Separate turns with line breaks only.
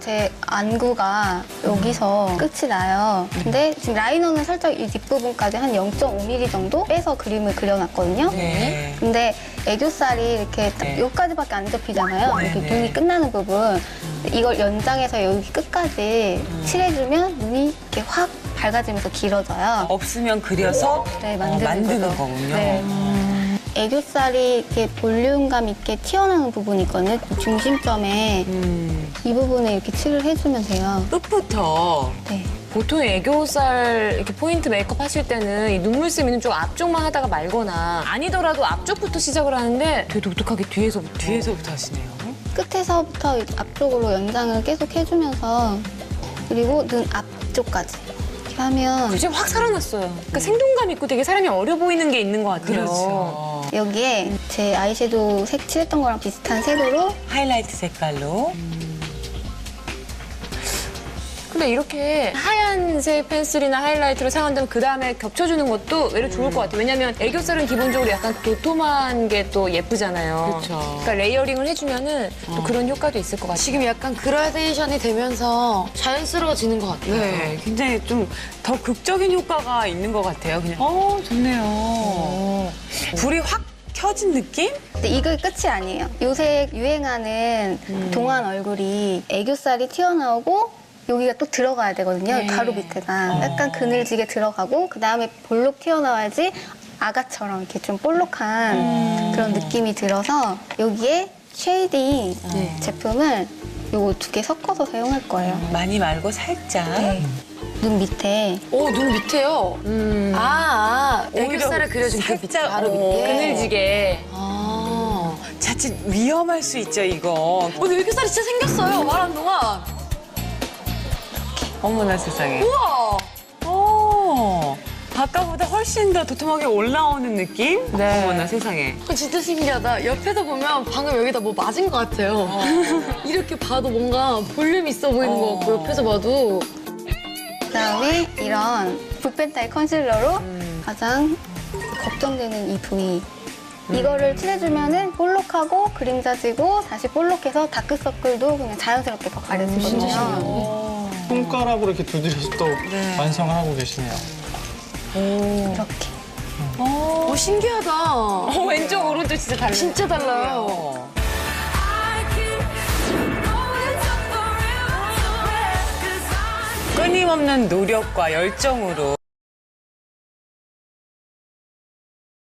제 안구가 여기서 끝이 나요. 근데 지금 라이너는 살짝 이 뒷부분까지 한 0.5mm 정도 빼서 그림을 그려놨거든요.
네.
근데 애교살이 이렇게 딱 여기까지밖에 안 접히잖아요. 이렇게
네.
눈이 끝나는 부분. 이걸 연장해서 여기 끝까지 칠해주면 눈이 이렇게 확 밝아지면서 길어져요.
없으면 그려서
네,
만드는
거죠.
거군요.
네. 애교살이 이렇게 볼륨감 있게 튀어나오는 부분이 있거든요. 중심점에 이 부분에 이렇게 칠을 해주면 돼요.
끝부터.
네.
보통 애교살 이렇게 포인트 메이크업 하실 때는 이 눈물샘 있는 쪽 앞쪽만 하다가 말거나 아니더라도 앞쪽부터 시작을 하는데 되게 독특하게
뒤에서부터 하시네요.
끝에서부터 앞쪽으로 연장을 계속 해주면서 그리고 눈 앞쪽까지 이렇게 하면
이제 확 살아났어요. 그러니까 생동감 있고 되게 사람이 어려 보이는 게 있는 것 같아요.
그렇죠.
여기에 제 아이섀도우 색 칠했던 거랑 비슷한 색으로
하이라이트 색깔로.
근데 이렇게 하얀색 펜슬이나 하이라이트를 사용한다면 그 다음에 겹쳐주는 것도 외려 좋을 것 같아요. 왜냐면 애교살은 기본적으로 약간 도톰한 게 또 예쁘잖아요.
그쵸.
그러니까 레이어링을 해주면은 또 그런 효과도 있을 것 같아요.
지금 약간 그라데이션이 되면서 자연스러워지는 것 같아요.
네, 굉장히 좀 더 극적인 효과가 있는 것 같아요. 그냥. 좋네요. 불이 확 켜진 느낌?
근데 이게 끝이 아니에요. 요새 유행하는 동안 얼굴이 애교살이 튀어나오고 여기가 또 들어가야 되거든요. 가루 밑에가. 약간 그늘지게 들어가고 그다음에 볼록 튀어나와야지 아가처럼 이렇게 좀 볼록한 그런 느낌이 들어서 여기에 쉐이딩 제품을 요거 2개 섞어서 사용할 거예요.
많이 말고 살짝.
눈 밑에
눈 밑에요. 애교살을 그려준 그 밑,
살짝,
바로 밑에.
그늘지게.
자칫 위험할 수 있죠, 이거.
근데 애교살이 진짜 생겼어요, 말하는 동안.
어머나 세상에.
우와!
아까보다 훨씬 더 도톰하게 올라오는 느낌?
네.
어머나 세상에.
진짜 신기하다. 옆에서 보면 방금 여기다 뭐 맞은 것 같아요. 이렇게 봐도 뭔가 볼륨 있어 보이는 것 같고, 옆에서 봐도.
그다음에 이런 붓펜타일 컨실러로 가장 걱정되는 이 부위 이거를 칠해주면은 볼록하고 그림자지고 다시 볼록해서 다크서클도 그냥 자연스럽게 더 가려지거든요.
손가락으로 이렇게 두드려서 또 완성을 하고 계시네요.
이렇게.
신기하다.
왼쪽, 오른쪽 진짜 달라요.
진짜 달라요.
끊임없는 노력과 열정으로